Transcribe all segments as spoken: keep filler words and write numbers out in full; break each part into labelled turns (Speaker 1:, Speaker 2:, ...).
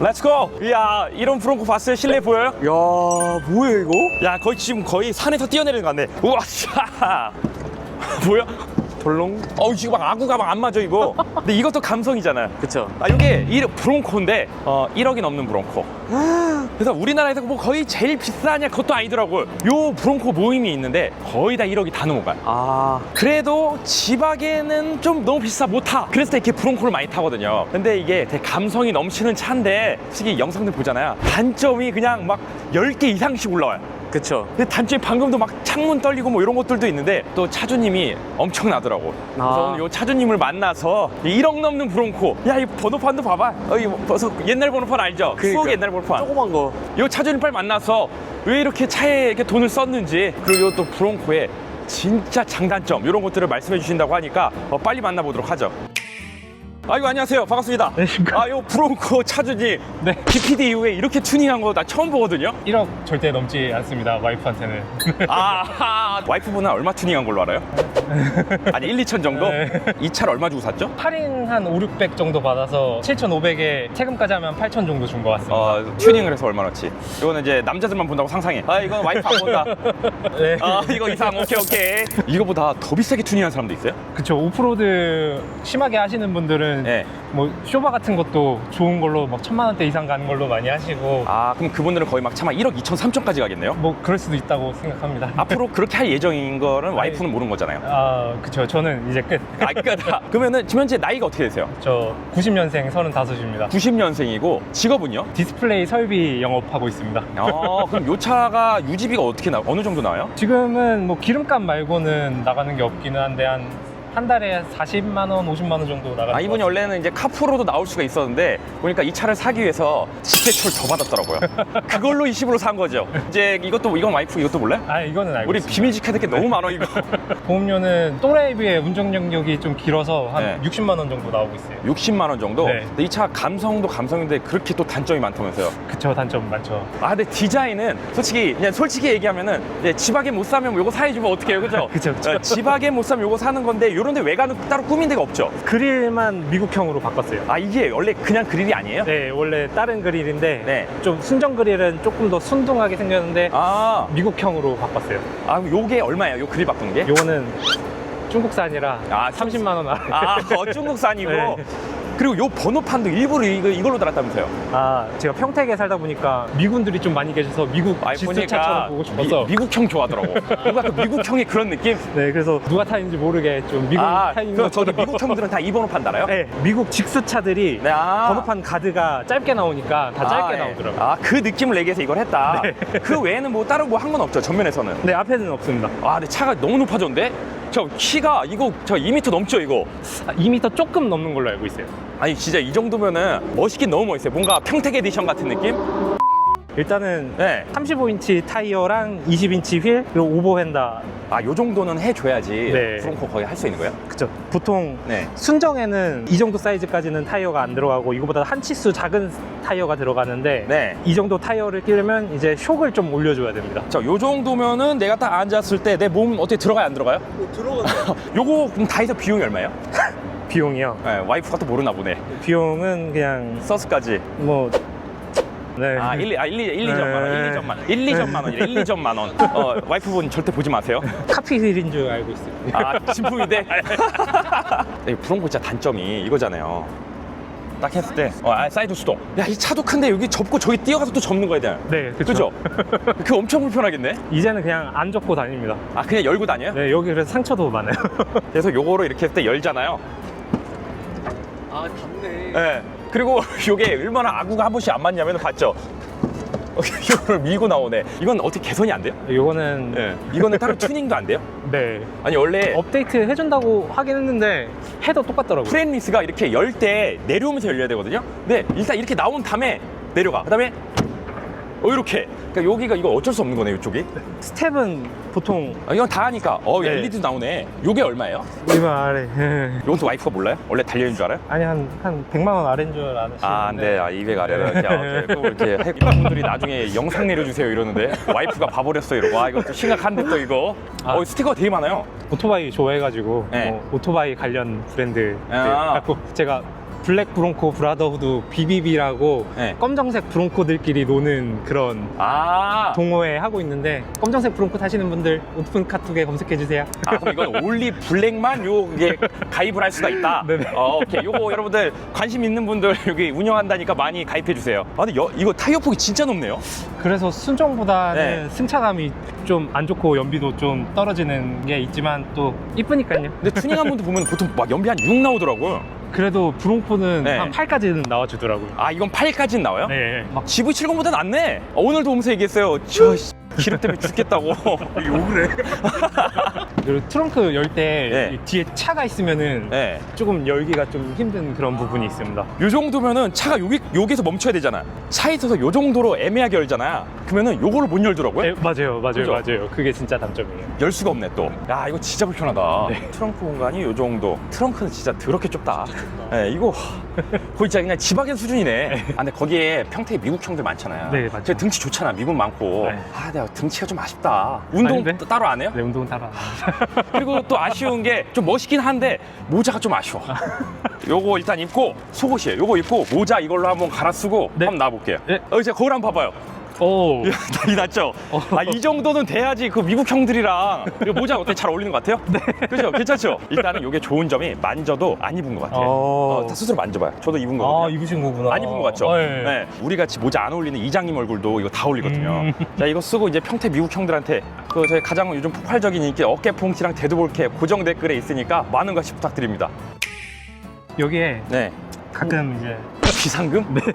Speaker 1: 렛츠고! 이야, 이런 브롱코 봤어요? 실내 보여요? 야, 뭐야 이거? 야, 거의 지금 거의 산에서 뛰어내리는 것 같네. 우와, 샤. 뭐야? 볼롱? 어우, 지금 막 아구가 막 안 맞아 이거. 근데 이것도 감성이잖아요.
Speaker 2: 그쵸.
Speaker 1: 아, 이게 이 브롱코인데 어, 일억이 넘는 브롱코. 그래서 우리나라에서 뭐 거의 제일 비싸냐 그것도 아니더라고요. 요 브롱코 모임이 있는데 거의 다 일억이 다 넘어가요.
Speaker 2: 아,
Speaker 1: 그래도 지박에는 좀 너무 비싸 못 타. 그래서 이렇게 브롱코를 많이 타거든요. 근데 이게 되게 감성이 넘치는 차인데 솔직히 영상들 보잖아요. 단점이 그냥 막 열 개 이상씩 올라와요.
Speaker 2: 그쵸.
Speaker 1: 근데 단점이 방금도 막 창문 떨리고 뭐 이런 것들도 있는데 또 차주님이 엄청나더라고. 그래서
Speaker 2: 아.
Speaker 1: 오늘 요 차주님을 만나서 일억 넘는 브롱코. 야, 이 번호판도 봐봐. 어, 이 벌써 옛날 번호판 알죠?
Speaker 2: 그러니까.
Speaker 1: 수억 옛날 번호판.
Speaker 2: 조그만 거.
Speaker 1: 요 차주님 빨리 만나서 왜 이렇게 차에 이렇게 돈을 썼는지, 그리고 요 또 브롱코의 진짜 장단점 이런 것들을 말씀해 주신다고 하니까 어, 빨리 만나보도록 하죠. 아이고, 안녕하세요. 반갑습니다.
Speaker 3: 안녕하십니까.
Speaker 1: 아, 요 브롱코 차주님.
Speaker 3: 네.
Speaker 1: 비피디 이후에 이렇게 튜닝한 거 나 처음 보거든요.
Speaker 3: 일억 절대 넘지 않습니다, 와이프한테는.
Speaker 1: 아, 와이프분은 얼마 튜닝한 걸로 알아요? 아니, 일, 이천 정도?
Speaker 3: 네.
Speaker 1: 이 차를 얼마 주고 샀죠?
Speaker 3: 할인 한 오, 육백 정도 받아서 칠천오백에 세금까지 하면 팔천 정도 준 것 같습니다.
Speaker 1: 어, 튜닝을 해서 얼마나치? 이거는 이제 남자들만 본다고 상상해. 아, 이건 와이프 안 본다.
Speaker 3: 네.
Speaker 1: 아, 이거 이상. 오케이, 오케이. 이거보다 더 비싸게 튜닝한 사람도 있어요?
Speaker 3: 그쵸. 오프로드 심하게 하시는 분들은
Speaker 1: 네.
Speaker 3: 뭐 쇼바 같은 것도 좋은 걸로 막 천만 원대 이상 가는 걸로 많이 하시고
Speaker 1: 아, 그럼 그분들은 거의 막 차마 일억 이천, 삼천까지 가겠네요?
Speaker 3: 뭐 그럴 수도 있다고 생각합니다.
Speaker 1: 앞으로 그렇게 할 예정인 거는 와이프는 모르는 거잖아요.
Speaker 3: 아, 그쵸. 저는 이제 끝.
Speaker 1: 아, 그러니까 그러면은 지금 현재 나이가 어떻게 되세요?
Speaker 3: 저 구십 년생 서른다섯입니다.
Speaker 1: 구십 년생이고 직업은요?
Speaker 3: 디스플레이 설비 영업하고 있습니다.
Speaker 1: 어, 그럼 요 차가 유지비가 어떻게 나, 어느 정도 나와요?
Speaker 3: 지금은 뭐 기름값 말고는 나가는 게 없기는 한데 한 한 달에 사십만 원, 오십만 원 정도 나가는
Speaker 1: 아, 이분이
Speaker 3: 것
Speaker 1: 원래는 이제 카푸로도 나올 수가 있었는데 보니까 이 차를 사기 위해서 집대출 더 받았더라고요. 그걸로 이십으로 산 거죠. 이제 이것도, 이건 와이프 이것도 몰라요?
Speaker 3: 같아요. 아, 이거는 알고
Speaker 1: 우리
Speaker 3: 있습니다.
Speaker 1: 비밀 지켜야 될 게 너무 많아 이거.
Speaker 3: 보험료는 또래에 비해 운전 경력이 좀 길어서 한
Speaker 1: 네.
Speaker 3: 육십만 원 정도 나오고 있어요.
Speaker 1: 육십만 원 정도?
Speaker 3: 네.
Speaker 1: 근데 이 차 감성도 감성인데 그렇게 또 단점이 많다면서요.
Speaker 3: 그쵸, 단점 많죠.
Speaker 1: 아, 근데 디자인은 솔직히 그냥 솔직히 얘기하면은 이제 지박에 못 사면 요거 사해주면 어떡해요, 그죠?
Speaker 3: 그쵸, 그쵸.
Speaker 1: 어, 지박에 못 사면 요거 사는 건데 요런데 외관은 따로 꾸민 데가 없죠.
Speaker 3: 그릴만 미국형으로 바꿨어요.
Speaker 1: 아, 이게 원래 그냥 그릴이 아니에요?
Speaker 3: 네, 원래 다른 그릴인데
Speaker 1: 네.
Speaker 3: 좀 순정 그릴은 조금 더 순둥하게 생겼는데
Speaker 1: 아,
Speaker 3: 미국형으로 바꿨어요.
Speaker 1: 아, 요게 얼마예요? 요 그릴 바꾼 게?
Speaker 3: 요거는 중국산이라
Speaker 1: 아,
Speaker 3: 삼십만 원 아래.
Speaker 1: 아, 어, 중국산이고.
Speaker 3: 네.
Speaker 1: 그리고 요 번호판도 일부러 이거, 이걸로 달았다면서요?
Speaker 3: 아, 제가 평택에 살다 보니까 미군들이 좀 많이 계셔서 미국
Speaker 1: 아니,
Speaker 3: 지수차처럼 보고 싶어서.
Speaker 1: 미, 미국형 좋아하더라고. 뭔가 그 미국형의 그런 느낌?
Speaker 3: 네, 그래서 누가 타는지 모르게 좀 미국
Speaker 1: 아,
Speaker 3: 타인
Speaker 1: 그럼 저기
Speaker 3: 것처럼.
Speaker 1: 미국형들은 다 이 번호판 달아요?
Speaker 3: 네, 미국 직수차들이
Speaker 1: 네, 아.
Speaker 3: 번호판 가드가 짧게 나오니까 다 짧게
Speaker 1: 아, 예.
Speaker 3: 나오더라고요.
Speaker 1: 아, 그 느낌을 내기 위해서 이걸 했다.
Speaker 3: 네.
Speaker 1: 그 외에는 뭐 다른 뭐 한 건 없죠, 전면에서는.
Speaker 3: 네, 앞에는 없습니다.
Speaker 1: 아, 근데 차가 너무 높아졌는데? 저 키가 이거 저 이 미터 넘죠, 이거?
Speaker 3: 아, 이 미터 조금 넘는 걸로 알고 있어요.
Speaker 1: 아니, 진짜 이 정도면은 멋있긴 너무 멋있어요. 뭔가 평택 에디션 같은 느낌?
Speaker 3: 일단은
Speaker 1: 네.
Speaker 3: 삼십오 인치 타이어랑 이십 인치 휠 그리고 오버 휀다.
Speaker 1: 아, 요 정도는 해줘야지
Speaker 3: 네.
Speaker 1: 브롱코 거의 할 수 있는 거예요?
Speaker 3: 그쵸. 보통
Speaker 1: 네.
Speaker 3: 순정에는 이 정도 사이즈까지는 타이어가 안 들어가고 이거보다 한 치수 작은 타이어가 들어가는데
Speaker 1: 네.
Speaker 3: 이 정도 타이어를 끼려면 이제 쇽을 좀 올려줘야 됩니다.
Speaker 1: 자, 요 정도면은 내가 딱 앉았을 때 내 몸 어떻게 들어가요, 안 들어가요?
Speaker 3: 들어가요.
Speaker 1: 요거 그럼 다 해서 비용이 얼마예요?
Speaker 3: 비용이요.
Speaker 1: 네, 와이프가 또 모르나 보네.
Speaker 3: 비용은 그냥
Speaker 1: 서스까지.
Speaker 3: 뭐 네.
Speaker 1: 아, 일, 아, 일, 일, 이점만 원,
Speaker 3: 네.
Speaker 1: 일, 이점만 원. 일, 이점만 원, 일, 이점만 원. 어, 와이프분 절대 보지 마세요.
Speaker 3: 카피 휠인 줄 알고 있어요.
Speaker 1: 아, 진품인데? 이 브롱코 진짜 단점이 이거잖아요. 딱 했을 때, 어, 아, 사이드 수동. 야, 이 차도 큰데 여기 접고 저기 뛰어가서 또 접는 거에 대한.
Speaker 3: 네,
Speaker 1: 그죠?
Speaker 3: 그쵸.
Speaker 1: 그 엄청 불편하겠네?
Speaker 3: 이제는 그냥 안 접고 다닙니다.
Speaker 1: 아, 그냥 열고 다녀요?
Speaker 3: 네, 여기 그래서 상처도 많아요.
Speaker 1: 그래서 요거를 이렇게 했을 때 열잖아요.
Speaker 2: 아, 닿네.
Speaker 1: 네. 그리고 요게 얼마나 아구가 한 번씩 안 맞냐면 봤죠? 이거를 밀고 나오네. 이건 어떻게 개선이 안 돼요?
Speaker 3: 요거는
Speaker 1: 네. 이거는 따로 튜닝도 안 돼요?
Speaker 3: 네.
Speaker 1: 아니, 원래
Speaker 3: 업데이트 해준다고 하긴 했는데 해도 똑같더라고요.
Speaker 1: 프레임리스가 이렇게 열 때 내려오면서 열려야 되거든요. 근데 일단 이렇게 나온 다음에 내려가. 그 다음에 어, 이렇게. 그러니까 여기가 이거 어쩔 수 없는 거네, 이쪽이.
Speaker 3: 스텝은 보통
Speaker 1: 아, 이건 다 하니까. 어,
Speaker 3: 네.
Speaker 1: 엘이디도 나오네. 요게 얼마예요?
Speaker 3: 이거 아래.
Speaker 1: 이건 또 와이프가 몰라요? 원래 달려있는 줄 알아요?
Speaker 3: 아니 한 한 백만 원 아래인 줄 아시는데.
Speaker 1: 아, 네. 아, 이백 아래로 이렇게, 아, 이렇게 꼭 이렇게 해- 이런 분들이 나중에 영상 내려주세요 이러는데 와이프가 봐버렸어 이러고. 아, 이거 또 심각한데 또 이거.
Speaker 3: 아.
Speaker 1: 어, 스티커가 되게 많아요.
Speaker 3: 오토바이 좋아해가지고
Speaker 1: 네.
Speaker 3: 뭐 오토바이 관련 브랜드
Speaker 1: 아.
Speaker 3: 갖고 제가 블랙 브롱코 브라더후드 비비비라고
Speaker 1: 네.
Speaker 3: 검정색 브롱코들끼리 노는 그런
Speaker 1: 아,
Speaker 3: 동호회 하고 있는데 검정색 브롱코 타시는 분들 오픈 카톡에 검색해 주세요.
Speaker 1: 아 그럼 이건 올리 블랙만 요게 가입을 할 수가 있다.
Speaker 3: 네네.
Speaker 1: 어, 오케이. 요거 여러분들 관심 있는 분들 여기 운영한다니까 많이 가입해 주세요. 아 근데 여, 이거 타이어 폭이 진짜 높네요.
Speaker 3: 그래서 순정보다는
Speaker 1: 네.
Speaker 3: 승차감이 좀 안 좋고 연비도 좀 떨어지는 게 있지만 또 이쁘니까요.
Speaker 1: 근데 투닝한 분들 보면 보통 막 연비 한 육 나오더라고요.
Speaker 3: 그래도 브롱코는
Speaker 1: 네.
Speaker 3: 한 팔까지는 나와주더라고요.
Speaker 1: 아 이건 팔까지는 나와요?
Speaker 3: 네. 막
Speaker 1: 지브이 칠십보다 낫네. 어, 오늘도 오면서 얘기했어요. 저 씨, 기름 때문에 죽겠다고. 욕을 해.
Speaker 3: 그리고 트렁크 열 때
Speaker 1: 네.
Speaker 3: 뒤에 차가 있으면은
Speaker 1: 네.
Speaker 3: 조금 열기가 좀 힘든 그런 부분이 있습니다.
Speaker 1: 요 정도면은 차가 여기, 여기서 멈춰야 되잖아. 차에 있어서 요 정도로 애매하게 열잖아. 그러면은 요거를 못 열더라고요.
Speaker 3: 네, 맞아요, 맞아요,
Speaker 1: 그죠?
Speaker 3: 맞아요. 그게 진짜 단점이에요.
Speaker 1: 열 수가 없네 또. 야 이거 진짜 불편하다.
Speaker 3: 네.
Speaker 1: 트렁크 공간이 요 정도. 트렁크는 진짜 더럽게 좁다. 네, 이거 거의 진짜 그냥 지박인 수준이네. 아 근데 거기에 평택에 미국 형들 많잖아요.
Speaker 3: 네, 맞죠.
Speaker 1: 제 등치 좋잖아. 미국 많고.
Speaker 3: 네.
Speaker 1: 아 내가 등치가 좀 아쉽다. 운동
Speaker 3: 아닌데?
Speaker 1: 따- 따로 안 해요?
Speaker 3: 네, 운동은 따라.
Speaker 1: 그리고 또 아쉬운 게 좀 멋있긴 한데 모자가 좀 아쉬워. 요거 일단 입고 속옷이에요. 요거 입고 모자 이걸로 한번 갈아 쓰고
Speaker 3: 네.
Speaker 1: 한번 놔볼게요.
Speaker 3: 네.
Speaker 1: 어 이제 거울 한번 봐봐요.
Speaker 3: 오,
Speaker 1: 난리 났죠? 아, 이 정도는 돼야지 그 미국 형들이랑 이 모자 어때? 잘 어울리는 것 같아요? 네. 그죠? 괜찮죠? 일단은 이게 좋은 점이 만져도 안 입은 것 같아요.
Speaker 3: 어.
Speaker 1: 어, 다 스스로 만져봐요. 저도 입은
Speaker 3: 아
Speaker 1: 거거든요.
Speaker 3: 입으신 거구나.
Speaker 1: 안 입은 것 같죠?
Speaker 3: 어, 네.
Speaker 1: 네. 우리 같이 모자 안 어울리는 이장님 얼굴도 이거 다 어울리거든요.
Speaker 3: 음.
Speaker 1: 자, 이거 쓰고 이제 평택 미국 형들한테 그 저희 가장 요즘 폭발적인 인기 어깨 퐁치랑 데드볼캡 고정 댓글에 있으니까 많은 관심 부탁드립니다.
Speaker 3: 여기에
Speaker 1: 네.
Speaker 3: 가끔 이제
Speaker 1: 비상금? 네.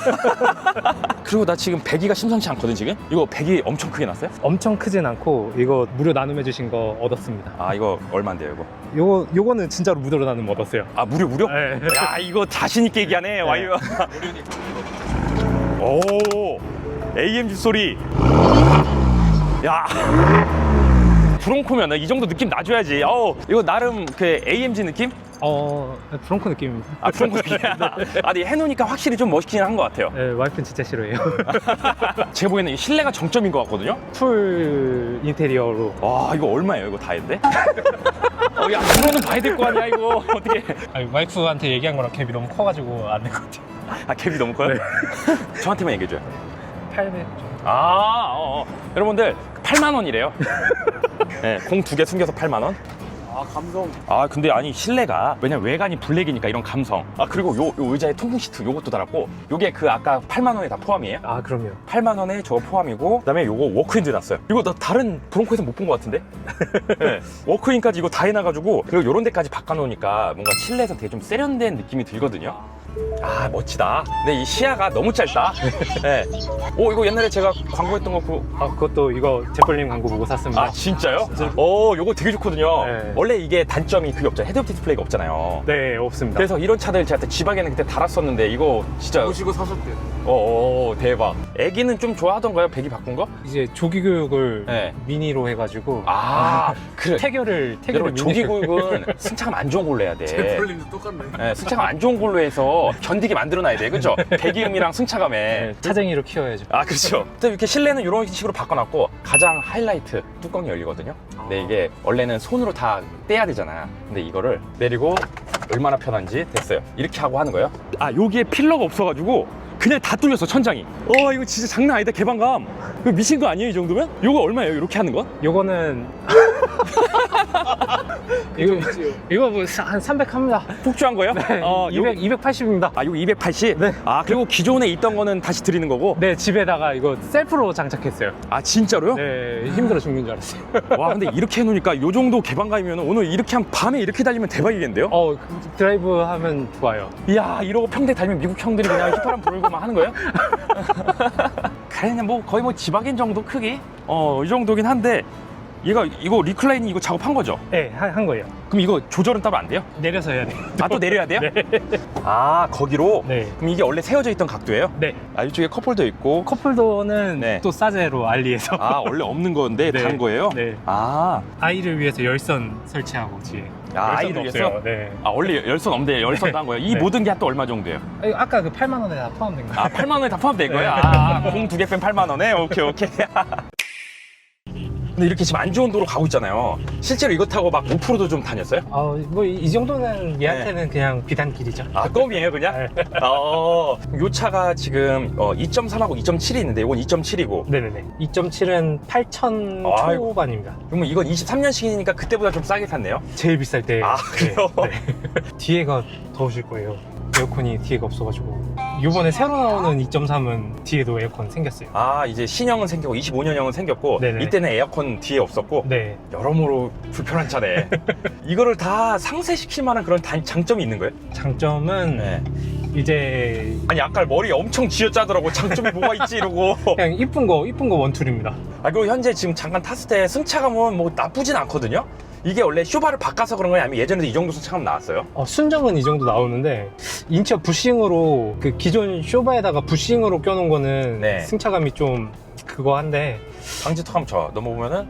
Speaker 1: 그리고 나 지금 배기가 심상치 않거든 지금? 이거 배기 엄청 크게 났어요?
Speaker 3: 엄청 크진 않고 이거 무료 나눔해 주신 거 얻었습니다.
Speaker 1: 아 이거 얼마인데요 이거?
Speaker 3: 요거 요거는 진짜로 무료로 나눔 얻었어요.
Speaker 1: 아 무료 무료?
Speaker 3: 네.
Speaker 1: 야 이거 자신 있게 얘기하네 와이어. 오 에이엠지 소리. 야 브롱코면 이 정도 느낌 나줘야지. 어 이거 나름 그 에이엠지 느낌?
Speaker 3: 어 브롱코 느낌입니다.
Speaker 1: 아 브롱코 느낌이야. 아 근데 해놓으니까 확실히 좀 멋있긴 한 것 같아요.
Speaker 3: 네, 와이프는 진짜 싫어해요.
Speaker 1: 제가 보기에는 이 실내가 정점인 것 같거든요.
Speaker 3: 풀 인테리어로.
Speaker 1: 와 이거 얼마예요 이거 다 했는데? 어야 그거는 봐야 될 거 아니야 이거 어떻게?
Speaker 3: 아니, 와이프한테 얘기한 거랑 갭이 너무 커가지고 안 될 것 같아요.
Speaker 1: 아 갭이 너무 커요? 저한테만 얘기해줘요.
Speaker 3: 팔백 정도.
Speaker 1: 아, 어, 어. 여러분들 팔만 원이래요. 네, 공 두 개 숨겨서 팔만 원.
Speaker 2: 아 감성.
Speaker 1: 아, 근데 아니 실내가 왜냐면 외관이 블랙이니까 이런 감성. 아 그리고 요, 요 의자에 통풍 시트 요것도 달았고, 요게 그 아까 팔만 원에 다 포함이에요?
Speaker 3: 아 그럼요.
Speaker 1: 팔만 원에 저거 포함이고, 그다음에 요거 워크인도 놨어요. 이거 나 다른 브롱코에서 못 본 것 같은데? 네, 워크인까지 이거 다 해놔가지고, 그리고 요런 데까지 바꿔놓으니까 뭔가 실내에서 되게 좀 세련된 느낌이 들거든요. 아 멋지다. 근데 이 시야가 너무 짧다. 네. 오 이거 옛날에 제가 광고했던 거 그.
Speaker 3: 아 그것도 이거 제벌님 광고 보고 샀습니다.
Speaker 1: 아 진짜요? 오 요거 되게 좋거든요.
Speaker 3: 네.
Speaker 1: 원래 이게 단점이 그게 없잖아요. 헤드업 디스플레이가 없잖아요.
Speaker 3: 네 없습니다.
Speaker 1: 그래서 이런 차들 제가 지박에는 그때 달았었는데 이거 진짜
Speaker 2: 보시고 사셨대요.
Speaker 1: 어 대박. 애기는 좀 좋아하던가요? 배기 바꾼 거?
Speaker 3: 이제 조기 교육을
Speaker 1: 네.
Speaker 3: 미니로 해가지고
Speaker 1: 아 그래.
Speaker 3: 태교를 태교를
Speaker 1: 여러분 조기
Speaker 3: 미니로-
Speaker 1: 교육은 승차감 안 좋은 걸로 해야 돼.
Speaker 2: 제플님도 똑같네.
Speaker 1: 네, 승차감 안 좋은 걸로 해서 견디게 만들어놔야 돼, 그죠? 배기음이랑 승차감에.
Speaker 3: 네, 차쟁이로 키워야죠.
Speaker 1: 아 그렇죠. 또 이렇게 실내는 이런 식으로 바꿔놨고 가장 하이라이트 뚜껑이 열리거든요. 근데 이게 원래는 손으로 다 떼야 되잖아. 근데 이거를 내리고 얼마나 편한지 됐어요. 이렇게 하고 하는 거예요. 아 여기에 필러가 없어가지고 그냥 다 뚫렸어 천장이. 어 이거 진짜 장난 아니다 개방감. 이거 미친 거 아니에요 이 정도면? 이거 얼마예요 이렇게 하는 건?
Speaker 3: 요거는 이거 이거 뭐 한 삼백 합니다.
Speaker 1: 폭주한 거예요?
Speaker 3: 네,
Speaker 1: 어, 요-
Speaker 3: 이백 이백팔십입니다.
Speaker 1: 아 이거 이백팔십?
Speaker 3: 네.
Speaker 1: 아 그리고 기존에 있던 거는 다시 드리는 거고?
Speaker 3: 네 집에다가 이거 셀프로 장착했어요.
Speaker 1: 아 진짜로요?
Speaker 3: 네 힘들어 죽는 줄 알았어요.
Speaker 1: 와 근데 이렇게 해놓으니까 요 정도 개방감이면 오늘 이렇게 한 밤에 이렇게 달리면 대박이겠는데요?
Speaker 3: 어 드라이브 하면 좋아요.
Speaker 1: 이야 이러고 평택 달리면 미국 형들이 그냥 휘파람 불고 막 하는 거예요? 그냥 뭐 거의 뭐 지박인 정도 크기? 어 이 정도긴 한데 얘가 이거 리클라이닝 이거 작업한 거죠?
Speaker 3: 네 한 거예요.
Speaker 1: 그럼 이거 조절은 따로 안 돼요?
Speaker 3: 내려서 해야 돼.
Speaker 1: 아 또 내려야 돼요?
Speaker 3: 네.
Speaker 1: 아 거기로?
Speaker 3: 네.
Speaker 1: 그럼 이게 원래 세워져 있던 각도예요?
Speaker 3: 네.
Speaker 1: 아 이쪽에 컵홀더 있고
Speaker 3: 컵홀더는
Speaker 1: 네.
Speaker 3: 또 싸제로 알리에서.
Speaker 1: 아 원래 없는 건데
Speaker 3: 네.
Speaker 1: 다른 거예요?
Speaker 3: 네.
Speaker 1: 아,
Speaker 3: 아이를 위해서 열선 설치하고 뒤에.
Speaker 1: 아
Speaker 3: 열선도
Speaker 1: 아이를 위해서?
Speaker 3: 없어요. 네.
Speaker 1: 아 원래 열선 없는데 열선도 한 거예요? 이
Speaker 3: 네.
Speaker 1: 모든 게 또 얼마 정도예요?
Speaker 3: 아, 이거 아까 그 팔만 원에 다 포함된 거예요.
Speaker 1: 아 팔만 원에 다 포함된 거예요?
Speaker 3: 네.
Speaker 1: 아 공 두 개 뺀 팔만 원에? 오케이 오케이. 근데 이렇게 지금 안 좋은 도로 가고 있잖아요. 실제로 이거 타고 막 오프로드 좀 다녔어요?
Speaker 3: 어, 뭐 이 정도는 얘한테는 그냥 비단길이죠.
Speaker 1: 아, 껌이에요, 그냥? 어, 요 차가 지금 어, 이 점 삼하고 이 점 칠이 있는데 이건 이 점 칠이고.
Speaker 3: 네네네. 이 점 칠은 팔천
Speaker 1: 아이고.
Speaker 3: 초반입니다.
Speaker 1: 그러면 이건 이십삼 년식이니까 그때보다 좀 싸게 샀네요?
Speaker 3: 제일 비쌀 때.
Speaker 1: 아, 그래요?
Speaker 3: 네, 네. 뒤에가 더우실 거예요. 에어컨이 뒤에가 없어가지고. 이번에 새로 나오는 이 점 삼은 뒤에도 에어컨 생겼어요.
Speaker 1: 아, 이제 신형은 생겼고 이십오 년형은 생겼고
Speaker 3: 네네.
Speaker 1: 이때는 에어컨 뒤에 없었고
Speaker 3: 네.
Speaker 1: 여러모로 불편한 차네. 이거를 다 상쇄시킬 만한 그런 단, 장점이 있는 거예요?
Speaker 3: 장점은
Speaker 1: 네.
Speaker 3: 이제
Speaker 1: 아니 아까 머리 엄청 쥐어짜더라고. 장점이 뭐가 있지 이러고.
Speaker 3: 그냥 이쁜 거 이쁜 거 원툴입니다.
Speaker 1: 아, 그리고 현재 지금 잠깐 탔을 때 승차감은 뭐 나쁘진 않거든요. 이게 원래 쇼바를 바꿔서 그런 거냐 아니면 예전에도 이 정도 승차감 나왔어요?
Speaker 3: 어, 순정은 이 정도 나오는데 인체 부싱으로 그 기존 쇼바에다가 부싱으로 껴놓은 거는
Speaker 1: 네.
Speaker 3: 승차감이 좀 그거 한데
Speaker 1: 방지턱 한번 쳐 넘어보면은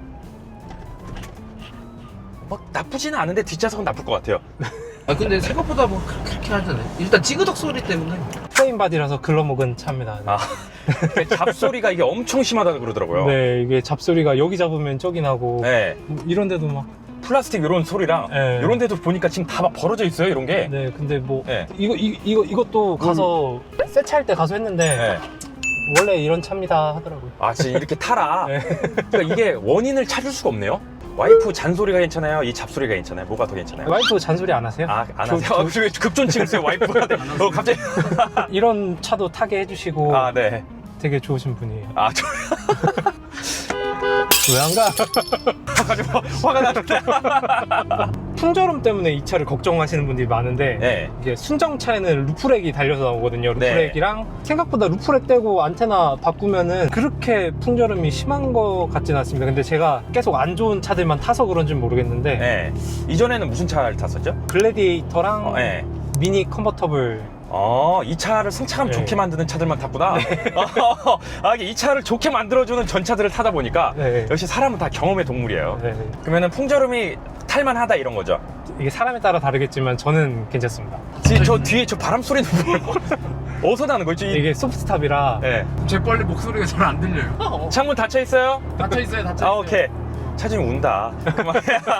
Speaker 1: 막 나쁘지는 않은데 뒷좌석은 나쁠 것 같아요.
Speaker 2: 아 근데 생각보다 뭐 그렇게 하잖아요. 일단 찌그덕 소리 때문에.
Speaker 3: 프레임 바디라서 글러먹은 차입니다.
Speaker 1: 아, 잡소리가 이게 엄청 심하다고 그러더라고요.
Speaker 3: 네, 이게 잡소리가 여기 잡으면 저기 나고
Speaker 1: 네.
Speaker 3: 뭐 이런 데도 막
Speaker 1: 플라스틱 이런 소리랑
Speaker 3: 네.
Speaker 1: 이런 데도 보니까 지금 다 막 벌어져 있어요 이런 게.
Speaker 3: 네, 근데 뭐
Speaker 1: 네.
Speaker 3: 이거 이, 이거 이것도 가서 세차할 때 가서 했는데
Speaker 1: 네.
Speaker 3: 원래 이런 차입니다 하더라고요.
Speaker 1: 아, 지금 이렇게 타라.
Speaker 3: 네.
Speaker 1: 그러니까 이게 원인을 찾을 수가 없네요. 와이프 잔소리가 괜찮아요? 이 잡소리가 괜찮아요? 뭐가 더 괜찮아요?
Speaker 3: 와이프 잔소리 안 하세요?
Speaker 1: 아, 안
Speaker 3: 저-
Speaker 1: 하세요?
Speaker 3: 저-
Speaker 1: 아, 왜 급존칭했어요 와이프한테? 어, 갑자기.
Speaker 3: 이런 차도 타게 해주시고
Speaker 1: 아, 네.
Speaker 3: 되게 좋으신 분이에요.
Speaker 1: 아, 저
Speaker 3: 왜 안 가?
Speaker 1: 가지고 화가 나는데.
Speaker 3: 풍절음 때문에 이 차를 걱정하시는 분들이 많은데
Speaker 1: 네.
Speaker 3: 이게 순정차에는 루프렉이 달려서 나오거든요.
Speaker 1: 네.
Speaker 3: 루프렉이랑 생각보다 루프렉 떼고 안테나 바꾸면은 그렇게 풍절음이 심한 것 같진 않습니다. 근데 제가 계속 안 좋은 차들만 타서 그런지 모르겠는데
Speaker 1: 네. 이전에는 무슨 차를 탔었죠?
Speaker 3: 글래디에이터랑
Speaker 1: 어, 네.
Speaker 3: 미니 컨버터블.
Speaker 1: 어, 이 차를 승차감
Speaker 3: 네.
Speaker 1: 좋게 만드는 차들만 탔구나. 어, 아, 이게 이 차를 좋게 만들어주는 전차들을 타다 보니까
Speaker 3: 네.
Speaker 1: 역시 사람은 다 경험의 동물이에요.
Speaker 3: 네.
Speaker 1: 그러면은 풍절음이 탈만하다 이런 거죠.
Speaker 3: 이게 사람에 따라 다르겠지만 저는 괜찮습니다.
Speaker 1: 뒤, 저 뒤에 저 바람 소리는 뭐예요? 어디서 나는 거지?
Speaker 3: 이게 소프트탑이라
Speaker 1: 네.
Speaker 2: 제 빨리 목소리가 잘 안 들려요.
Speaker 1: 창문 닫혀 있어요?
Speaker 2: 닫혀 있어요, 닫혀 있어요.
Speaker 1: 아, 오케이. 차주님 운다. 그만.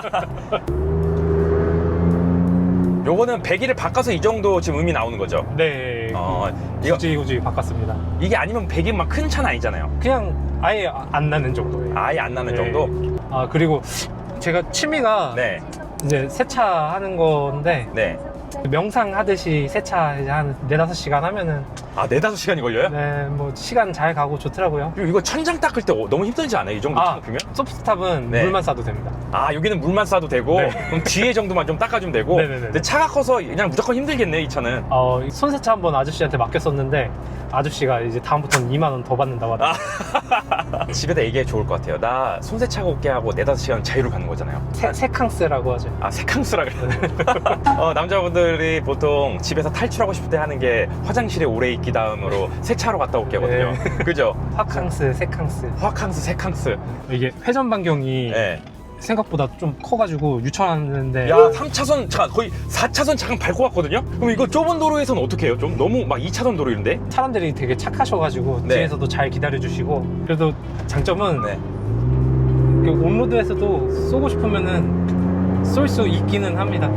Speaker 1: 요거는 배기를 바꿔서 이 정도 지금 음이 나오는 거죠.
Speaker 3: 네.
Speaker 1: 어, 이거
Speaker 3: 굳이 굳이 바꿨습니다.
Speaker 1: 이게 아니면 배기 막 큰 차는 아니잖아요.
Speaker 3: 그냥 아예 안 나는 정도예요.
Speaker 1: 아예 안 나는
Speaker 3: 네.
Speaker 1: 정도.
Speaker 3: 아 그리고 제가 취미가
Speaker 1: 네,
Speaker 3: 이제 세차하는 건데
Speaker 1: 네.
Speaker 3: 명상 하듯이 세차 이제 한 네다섯 시간 하면은
Speaker 1: 아, 네다섯 시간이 걸려요?
Speaker 3: 네 뭐 시간 잘 가고 좋더라고요.
Speaker 1: 그리고 이거 천장 닦을 때 너무 힘들지 않아요? 이 정도
Speaker 3: 아
Speaker 1: 창피면?
Speaker 3: 소프트탑은
Speaker 1: 네.
Speaker 3: 물만 싸도 됩니다.
Speaker 1: 아, 여기는 물만 싸도 되고
Speaker 3: 네.
Speaker 1: 그럼 뒤에 정도만 좀 닦아주면 되고.
Speaker 3: 네네네.
Speaker 1: 근데 차가 커서 그냥 무조건 힘들겠네 이 차는.
Speaker 3: 어 손세차 한번 아저씨한테 맡겼었는데 아저씨가 이제 다음부터는 이만 원 더 받는다고 하더라고요.
Speaker 1: 집에다 얘기해 좋을 것 같아요. 나 손세차가 올게 하고 네다섯 시간 자유로 가는 거잖아요.
Speaker 3: 세, 세캉스라고 하죠.
Speaker 1: 아, 세캉스라 그래요. 어, 남자분들이 보통 집에서 탈출하고 싶을 때 하는 게 화장실에 오래 있기 다음으로 세차로 갔다 올게 하거든요. 그죠?
Speaker 3: 화캉스, 세캉스.
Speaker 1: 화캉스, 세캉스.
Speaker 3: 이게 회전 반경이
Speaker 1: 네.
Speaker 3: 생각보다 좀 커가지고 유천하는데
Speaker 1: 야, 삼 차선, 잠깐, 거의 사 차선 잠깐 밟고 갔거든요? 그럼 이거 좁은 도로에서는 어떻게 해요? 좀 너무 막 이 차선 도로 이런데?
Speaker 3: 사람들이 되게 착하셔가지고
Speaker 1: 네.
Speaker 3: 뒤에서도 잘 기다려주시고 그래도 장점은
Speaker 1: 네.
Speaker 3: 그 온로드에서도 쏘고 싶으면은 쏠 수 있기는 합니다.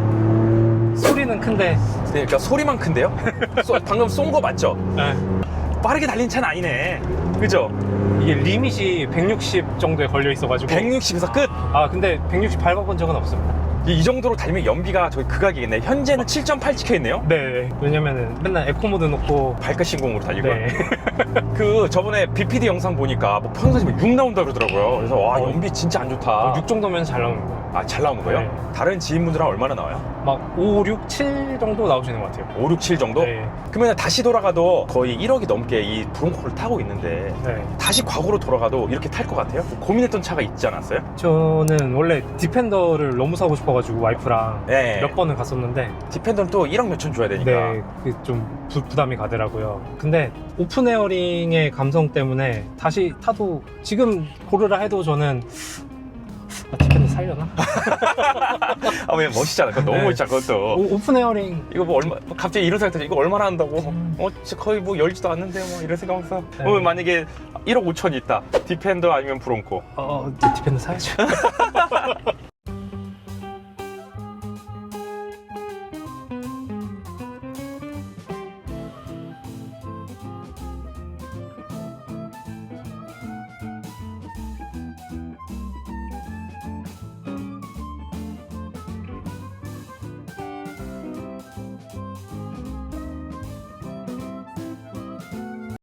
Speaker 3: 소리는 큰데
Speaker 1: 그러니까 소리만 큰데요? 쏘- 방금 쏜 거 맞죠?
Speaker 3: 네.
Speaker 1: 빠르게 달린 차는 아니네. 그죠?
Speaker 3: 이게 리밋이 백육십 정도에 걸려 있어가지고
Speaker 1: 백육십에서 끝!
Speaker 3: 아 근데 백육십 밟아본 적은 없습니다.
Speaker 1: 이, 이 정도로 달리면 연비가 저기 극악이겠네. 현재는 칠 점 팔 찍혀 있네요?
Speaker 3: 네 왜냐면은 맨날 에코모드 놓고
Speaker 1: 발끝 신공으로 달리고.
Speaker 3: 네.
Speaker 1: 그 저번에 비피디 영상 보니까 뭐 평소에 육 나온다 그러더라고요. 그래서 와,
Speaker 3: 어.
Speaker 1: 연비 진짜 안 좋다.
Speaker 3: 육 정도면 잘 나오는 거예요.
Speaker 1: 아, 잘 나오는 거예요?
Speaker 3: 네.
Speaker 1: 다른 지인분들은 얼마나 나와요?
Speaker 3: 막 오, 육, 칠 정도 나오시는 것 같아요.
Speaker 1: 오, 육, 칠 정도?
Speaker 3: 네.
Speaker 1: 그러면 다시 돌아가도 거의 일억이 넘게 이 브롱코를 타고 있는데
Speaker 3: 네.
Speaker 1: 다시 과거로 돌아가도 이렇게 탈 것 같아요? 고민했던 차가 있지 않았어요?
Speaker 3: 저는 원래 디펜더를 너무 사고 싶어가지고 와이프랑
Speaker 1: 네.
Speaker 3: 몇 번은 갔었는데
Speaker 1: 디펜더는 또 일억 몇천 줘야 되니까.
Speaker 3: 네, 그 좀 부담이 가더라고요. 근데 오픈 에어링의 감성 때문에 다시 타도 지금 고르라 해도 저는 아, 디펜더 살려나?
Speaker 1: 아, 왜 멋있잖아. 그거 너무
Speaker 3: 네.
Speaker 1: 멋있잖아, 그것도.
Speaker 3: 오, 오픈 에어링.
Speaker 1: 이거 뭐 얼마, 갑자기 이런 생각 들지. 이거 얼마나 한다고?
Speaker 3: 음.
Speaker 1: 어, 진짜 거의 뭐 열지도 않는데, 뭐, 이런 생각하면서.
Speaker 3: 네.
Speaker 1: 어, 만약에 일억 오천이 있다. 디펜더 아니면 브롱코.
Speaker 3: 어, 어, 디펜더 사야죠.